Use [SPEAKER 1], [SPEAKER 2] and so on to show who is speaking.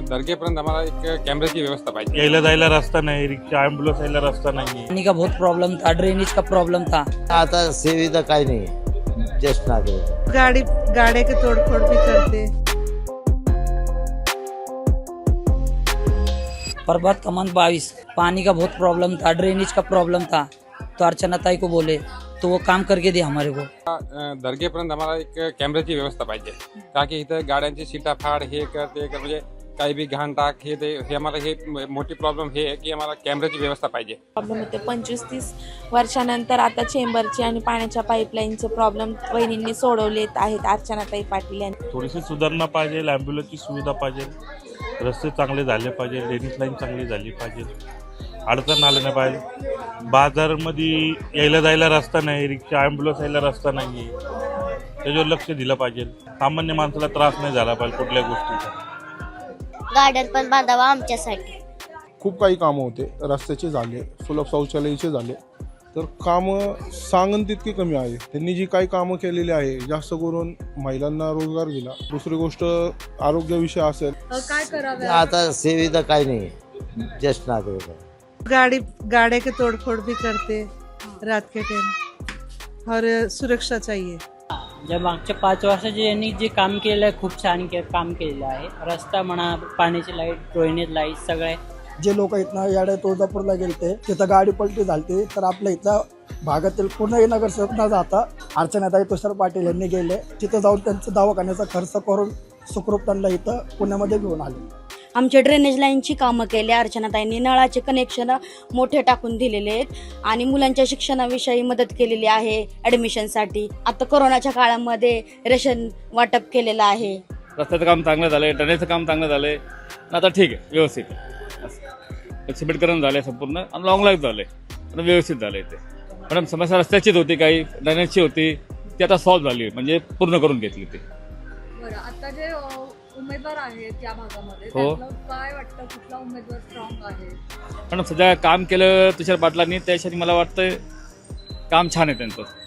[SPEAKER 1] दर्गेपर्यंत आम्हाला एक कॅमेऱ्याची व्यवस्था पाहिजे.
[SPEAKER 2] यायला जायला रस्ता नाही, रिक्षा ॲम्ब्युलन्स यायला रस्ता नाही.
[SPEAKER 3] पानी का बहुत प्रॉब्लम था, ड्रेनेज का प्रॉब्लम था.
[SPEAKER 4] आता सुविधा काही नाही, ज्येष्ठ नागरिक
[SPEAKER 5] गाड़े के तोड़फोड़ भी करते.
[SPEAKER 3] प्रभात कमान 22, पानी का बहुत प्रॉब्लम था, ड्रेनेज का प्रॉब्लम था. तो अर्चना ताई को बोले तो वो काम करके दे हमारे को.
[SPEAKER 1] दर्गेपर्यंत आम्हाला एक कॅमेऱ्याची व्यवस्था पाहिजे. का की इथं गाड्यांची सीटाफाड हे कर ते कर, म्हणजे काही बी घाण टाक हे आम्हाला हे मोठी प्रॉब्लेम हे आहे की आम्हाला कॅमेऱ्याची व्यवस्था पाहिजे.
[SPEAKER 6] प्रॉब्लेम होते 25-30 वर्षानंतर आता चेंबरचे आणि पाण्याच्या पाईपलाईनचे प्रॉब्लेम वहिनींनी सोडवलेत आहेत अर्चनाताई पाटील यांनी.
[SPEAKER 2] थोडीशी सुधारणा पाहिजे, ॲम्ब्युलन्सची सुविधा पाहिजे, रस्ते चांगले झाले पाहिजे, ड्रेनेज लाईन चांगली झाली पाहिजे, अडचण आलं नाही पाहिजे. बाजारमध्ये यायला जायला रस्ता नाही, रिक्षा ॲम्ब्युलन्स यायला रस्ता नाही, त्याच्यावर लक्ष दिलं पाहिजे. सामान्य माणसाला त्रास नाही झाला पाहिजे कुठल्या गोष्टीचा.
[SPEAKER 7] गार्डन पण बांधावा आमच्यासाठी.
[SPEAKER 8] खूप काही कामं होते, रस्त्याचे झाले, सुलभ शौचालयाचे झाले, तर कामं सांगन तितकी कमी आहे. त्यांनी जी काही कामं केलेली आहे, जास्त करून महिलांना रोजगार दिला. दुसरी गोष्ट आरोग्यविषय असेल,
[SPEAKER 5] काय करावे.
[SPEAKER 4] आता सुविधा काही नाही, ज्येष्ठ नागरिक
[SPEAKER 5] गाड़े के तोड़फोड़ भी करते रात के टाइम, और सुरक्षा चाहिए.
[SPEAKER 9] ज्या मागच्या 5 वर्षात यांनी जे काम केलं आहे खूप छान काम केलेलं आहे. रस्ता म्हणा, पाण्याची लाईट, ड्रेनेज लाईट सगळे.
[SPEAKER 10] जे लोक इथनं याडे तुळजापूरला गेलते तिथं गाडी पलटी झालती, तर आपल्या इथं भागातील पूर्ण नगरसेवक न जाता अर्चनाताई तुषार पाटील यांनी गेले. तिथं जाऊन त्यांचा दवाखान्याचा खर्च करून सुखरूप त्यांना इथं पुण्यामध्ये घेऊन आले.
[SPEAKER 7] आमच्या ड्रेनेज लाईनची कामं केली अर्चनाताईंनी. नळाचे कनेक्शन मोठे टाकून दिलेले आहेत आणि मुलांच्या शिक्षणाविषयी मदत केलेली आहे ॲडमिशनसाठी. आता कोरोनाच्या काळामध्ये रेशन वाटप केलेलं आहे.
[SPEAKER 11] रस्त्याचं काम चांगलं झालं आहे, ड्रेनेजचं काम चांगलं झालं आहे. आता ठीक आहे, व्यवस्थित सिमेंटकरण झालं आहे संपूर्ण आणि लॉंग लाईफ झालं आहे, आता व्यवस्थित झालं आहे. ते मॅडम समस्या रस्त्याचीच होती, काही ड्रेनेजची होती, ती आता सॉल्व्ह झाली, म्हणजे पूर्ण करून घेतली ती.
[SPEAKER 5] बरं, आता जे उमेदवार आहेत या भागामध्ये,
[SPEAKER 11] हो.
[SPEAKER 5] काय वाटतं कुठला उमेदवार स्ट्रॉंग आहे.
[SPEAKER 11] मॅडम सध्या काम केलं तुषार पाटलांनी, त्यासाठी मला वाटतं काम छान आहे त्यांचं.